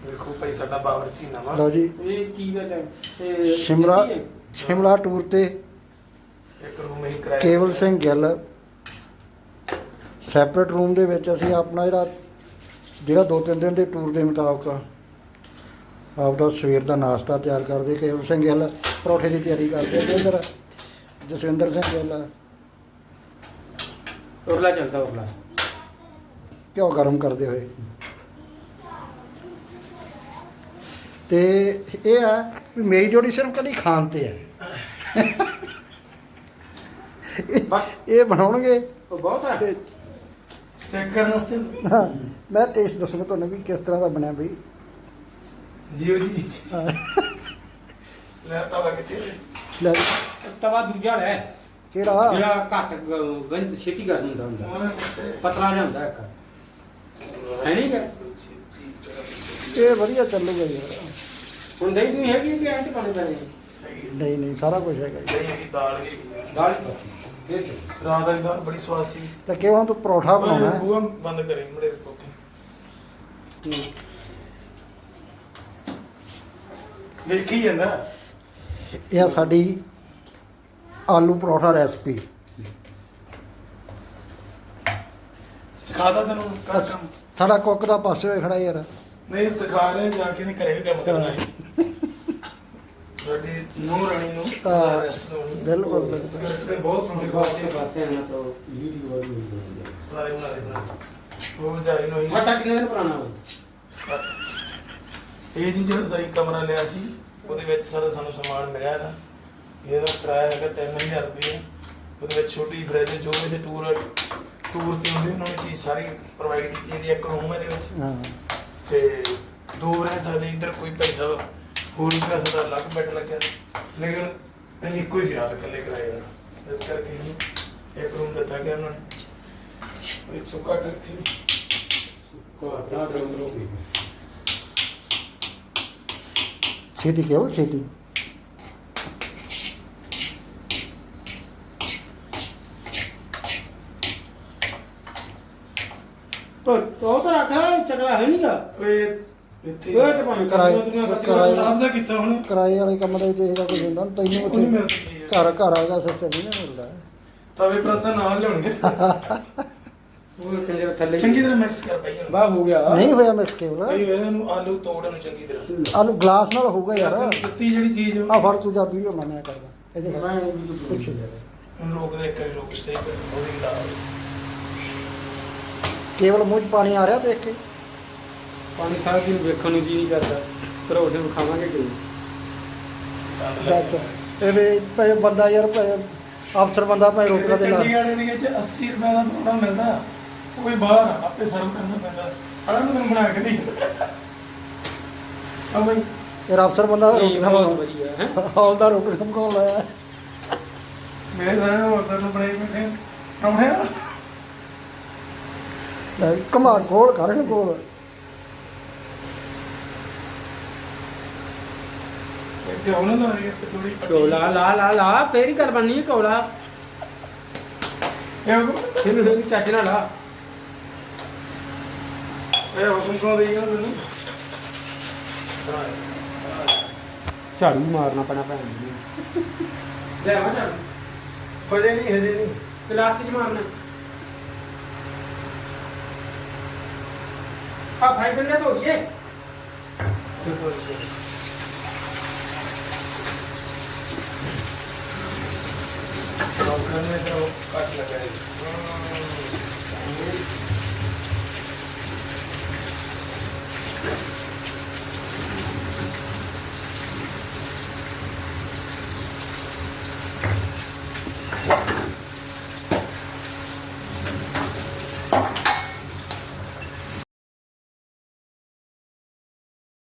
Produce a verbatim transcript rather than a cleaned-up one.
ਵੇਖੋ ਭਾਈ ਸਾਡਾ ਬਾਵਰਚੀ ਨਵਾਂ। ਲਓ ਜੀ ਇਹ ਕੀ ਗੱਲ ਹੈ ਸ਼ਿਮਲਾ ਸ਼ਿਮਲਾ ਟੂਰ ਤੇ ਇੱਕ ਰੂਮ ਹੀ ਕਿਰਾਏ ਕੇਵਲ ਸਿੰਘ ਗਿੱਲ ਸੈਪਰੇਟ ਰੂਮ ਦੇ ਵਿੱਚ ਅਸੀਂ ਆਪਣਾ ਜਿਹੜਾ ਜਿਹੜਾ ਦੋ ਤਿੰਨ ਦਿਨ ਦੇ ਟੂਰ ਦੇ ਮੁਤਾਬਕ ਆਪਦਾ ਸਵੇਰ ਦਾ ਨਾਸ਼ਤਾ ਤਿਆਰ ਕਰਦੇ। ਕੇਵਲ ਸਿੰਘ ਗਿੱਲ ਪਰੌਠੇ ਦੀ ਤਿਆਰੀ ਕਰਦੇ ਤੇ ਇੱਧਰ ਜਸਵਿੰਦਰ ਸਿੰਘ ਗਿੱਲ ਉਰਲਾ ਚੱਲਦਾ ਉਰਲਾ ਘਿਓ ਗਰਮ ਕਰਦੇ ਹੋਏ। ਤੇ ਇਹ ਆ ਵੀ ਮੇਰੀ ਜੋੜੀ ਸਿਰਫ ਕਦੀ ਖਾਣ ਤੇ ਹੈ। ਬਸ ਇਹ ਬਣਾਉਣਗੇ ਉਹ ਬਹੁਤ ਹੈ। ਤੇ ਚੈੱਕ ਕਰਨ ਵਾਸਤੇ ਹਾਂ, ਮੈਂ ਟੇਸਟ ਦੱਸੂਗਾ ਤੁਹਾਨੂੰ ਵੀ ਕਿਸ ਤਰ੍ਹਾਂ ਦਾ ਬਣਿਆ ਬਈ। ਜੀਓ ਜੀ ਹਾਂ, ਲੈ ਤਵਾ ਕਿੱਥੇ ਲੈ ਤਵਾ ਦੂਜਾ ਲੈ ਕਿਹੜਾ ਜਿਹੜਾ ਘੱਟ ਗ- ਗੰਜ ਛੇਤੀ ਕਰ ਹੁੰਦਾ ਹੁੰਦਾ ਪਤਲਾ ਜਿਹਾ ਹੁੰਦਾ ਇੱਕ ਹੈ ਨਹੀਂ ਕਿ ਇਹ ਵਧੀਆ ਚੱਲੂਗਾ ਯਾਰ। ਹੁਣ ਦਹੀਂ ਤੁਸੀਂ ਹੈਗੀ ਕਿ ਐਂ ਚ ਪਾਣੇ ਪੈਣੇ ਨਹੀਂ ਨਹੀਂ ਸਾਰਾ ਕੁਝ ਹੈਗਾ ਜੀ। ਦਹੀਂ ਹੈਗੀ, ਦਾਲ ਹੈਗੀ। ਦਾਲ ਫੇਰ ਚ ਰਾਤ ਵਾਲੀ ਦਾਲ ਬੜੀ ਸਵਾਦ ਸੀ। ਤੇ ਕਿਉਂ ਹੁਣ ਤੂੰ ਪਰੌਠਾ ਬਣਾਉਣਾ ਹੈ? ਬੂਹਾ ਬੰਦ ਕਰੇ ਮੜੇ ਕੋਕੇ ਵੇਖੀ ਜਾਂਦਾ। ਇਹ ਆ ਸਾਡੀ ਆਲੂ ਪਰੌਠਾ ਰੈਸਪੀ। ਸਿਖਾਦਾ ਤੈਨੂੰ ਕਰ ਕੰਮ। ਸਾਡਾ ਕੁੱਕ ਦਾ ਪਾਸੇ ਹੋਏ ਖੜਾ ਯਾਰ। ਨਹੀਂ ਸਿਖਾ ਰਹੇ ਜਾ ਕੇ ਨਹੀਂ ਘਰੇ ਵੀ ਕੰਮ ਕਰਨਾ ਹੈ। ਸਾਡੀ ਨੂੰਹ ਰਾਣੀ ਨੂੰ ਹਾਂ, ਰੈਸਟ ਦੋਣੀ ਬਿਲਕੁਲ ਬਿਲਕੁਲ। ਇਸ ਕਰਕੇ ਬਹੁਤ ਪ੍ਰੋਬਲਮ ਪਾਸੇ ਕਰਦੀ ਪਾਸੇ ਨਾ ਤਾਂ ਵੀਡੀਓ ਵਾਲੀ ਹੁੰਦੀ ਹੈ ਬਣਾ ਦੇ ਬਣਾ ਦੇ ਬਣਾ ਦੇ। ਉਹ ਵਿਚਾਰੀ ਨੂੰ ਹੀ ਮਟਾ ਕਿੰਨੇ ਦਿਨ ਪੁਰਾਣਾ ਹੋ ਇਹ ਜੀ ਜਿਹੜਾ ਸਹੀ ਕਮਰਾ ਲਿਆ ਸੀ ਉਹਦੇ ਵਿੱਚ ਸਾਰਾ ਸਾਨੂੰ ਸਮਾਨ ਮਿਲਿਆ ਇਹਦਾ। ਇਹਦਾ ਕਿਰਾਇਆ ਹੈਗਾ ਤਿੰਨ ਹਜ਼ਾਰ ਰੁਪਏ। ਉਹਦੇ ਵਿੱਚ ਛੋਟੀ ਫਰਿੱਜ ਜੋ ਇਹਦੇ ਟੂਰ ਟੂਰ ਤੇ ਹੁੰਦੇ ਉਹਨਾਂ ਨੇ ਚੀਜ਼ ਸਾਰੀ ਪ੍ਰੋਵਾਈਡ ਕੀਤੀ। ਇਹਦੀ ਇੱਕ ਰੂਮ ਇਹਦੇ ਵਿੱਚ ਹਾਂ, ਤੇ ਦੋ ਰਹਿ ਸਕਦੇ। ਇੱਧਰ ਕੋਈ ਪੈਸਾ ਹੋਰ ਵੀ ਕਰ ਸਕਦਾ, ਅਲੱਗ ਬੈੱਡ ਲੱਗਿਆ। ਲੇਕਿਨ ਅਸੀਂ ਇੱਕੋ ਹੀ ਸੀ ਰਾਤ ਇਕੱਲੇ ਕਿਰਾਏ ਦਾ। ਇਸ ਕਰਕੇ ਇਹਨੂੰ ਇੱਕ ਰੂਮ ਦਿੱਤਾ ਗਿਆ ਉਹਨਾਂ ਨੇ। ਇੱਕ ਸੁੱਕਾ ਟੱਕ ਕੋਟਾ ਰੰਗ ਰੋ ਛੇਤੀ ਕੇਵਲ ਛੇਤੀ। ਤੋ ਤੋ ਤਾਂ ਰੱਖਾ ਚੱਕਲਾ ਹੈ ਨਹੀਂਗਾ ਓਏ ਇੱਥੇ ਉਹ ਤੇ ਭਾਵੇਂ ਕਿਰਾਏ- ਕਰਾਈ ਕਿਰਾਏ- ਸਾਹਿਬ ਦਾ ਕੀਤਾ ਹੁਣ ਕਿਰਾਏ ਵਾਲੇ ਕੰਮ ਦਾ ਵੀ ਦੇਖਦਾ ਕੁਝ ਹੁੰਦਾ ਤੈਨੂੰ ਉਹ ਨਹੀਂ ਉੱਥੇ ਮਿਲਦੀ ਚੀਜ਼। ਘਰ ਘਰ ਆਏਗਾ ਸਿਸਟਮ ਨਹੀਂ ਨਾ ਮਿਲਦਾ। ਤਵੇ ਪਰਾਤਾਂ ਨਾਲ ਲਿਆਉਣਗੇ। ਉਹ ਕਿੰਨੇ ਥੱਲੇ ਚੰਗੀ ਤਰ੍ਹਾਂ ਮਿਕਸ ਕਰ ਪਈ ਇਹਨੂੰ। ਵਾਹ ਹੋ ਗਿਆ ਨਹੀਂ ਹੋਇਆ ਮਿਕਸ ਕੇਵਲ। ਭਾਈ ਇਹਨੂੰ ਆਲੂ ਤੋੜ ਇਹਨੂੰ ਚੰਗੀ ਤਰ੍ਹਾਂ। ਆਲੂ ਗਲਾਸ ਨਾਲ ਹੋਊਗਾ ਯਾਰ। ਤੈਨੂੰ ਦਿੱਤੀ ਜਿਹੜੀ ਚੀਜ਼ ਆ ਫੜ ਤੂੰ ਜਾ ਵੀਡੀਓ ਬਣਾਇਆ ਕਰਦਾ ਇਹਦੇ ਨਾਲ। ਮੈਂ ਵੀ ਪੁੱਛ ਲਿਆ ਹੁਣ ਲੋਕ ਦੇ ਕਈ ਲੋਕ ਸਟੇ ਕਰ ਉਹਦੀ ਲਾ ਕੇਵਲ ਮੂੰਹ 'ਚ ਪਾਣੀ ਆ ਰਿਹਾ ਦੇਖ ਕੇ। ਪਾਣੀ ਸਾਰਾ ਦਿਨ ਵੇਖਣ ਨੂੰ ਜੀ ਨਹੀਂ ਕਰਦਾ ਪਰੌਠੇ ਵਿਖਾਵਾਂਗੇ ਕਿ ਦੱਸ ਇਹ ਵੀ ਭਾਵੇਂ ਬੰਦਾ ਯਾਰ ਭਾਵੇਂ ਅਫਸਰ ਬੰਦਾ ਭਾਵੇਂ ਰੋਕਦਾ ਦੇ ਨਾਲ। ਚੰਡੀਗੜ੍ਹ ਏਰੀਏ 'ਚ ਅੱਸੀ ਰੁਪਏ ਦਾ ਪਰੌਂਠਾ ਮਿਲਦਾ। ਉਹ ਵੀ ਬਾਹਰ ਆ, ਆਪੇ ਸਰਵ ਕਰਨਾ ਪੈਂਦਾ। ਅੜਾ ਮੈਨੂੰ ਬਣਾ ਕੇ ਦੇ ਆ ਬਈ। ਯਾਰ ਅਫਸਰ ਬੰਦਾ ਰੋਕਦਾ ਬਹੁਤ ਵਧੀਆ ਹੈ ਹੌਲਦਾਰ ਰੋਕਣਾ ਬਣਾਉਣ ਲਾਇਆ। ਮੇਰੇ ਸਾਰੇ ਹੋਟਲ ਨੂੰ ਬਣਾਈ ਬੈਠੇ ਪਰੌਂਠੇ ਆ। ਲੈ ਕਮਾ ਖੋਲ ਕਰ ਇਹਨੂੰ ਕੋਲ। ਇੱਥੇ ਹੁਣ ਲਾ ਰਹੀ ਹੈ ਥੋੜੀ ਕੋਲਾ ਲਾ ਲਾ ਲਾ ਫੇਰ ਹੀ ਗੱਲ ਬਣਨੀ ਹੈ ਕੋਲਾ ਇਹ ਇਹਨੂੰ ਇਹ ਚੱਜ ਨਾਲ ਲਾ ਇਹ ਹੁਕਮ ਕੋ ਦੇਈਗਾ ਮੈਨੂੰ। ਝਾੜੂ ਮਾਰਨਾ ਪੈਣਾ ਭੈਣ ਜੀ ਲੈ ਆ ਝਾੜੂ ਹਜੇ ਨਹੀਂ ਹਜੇ ਨਹੀਂ। ਪਲਾਸਟਿਕ ਮਾਰਨਾ ਆ ਭਾਈ ਬੰਦਾ ਧੋ ਲਈਏ घर में तो काट लगाए।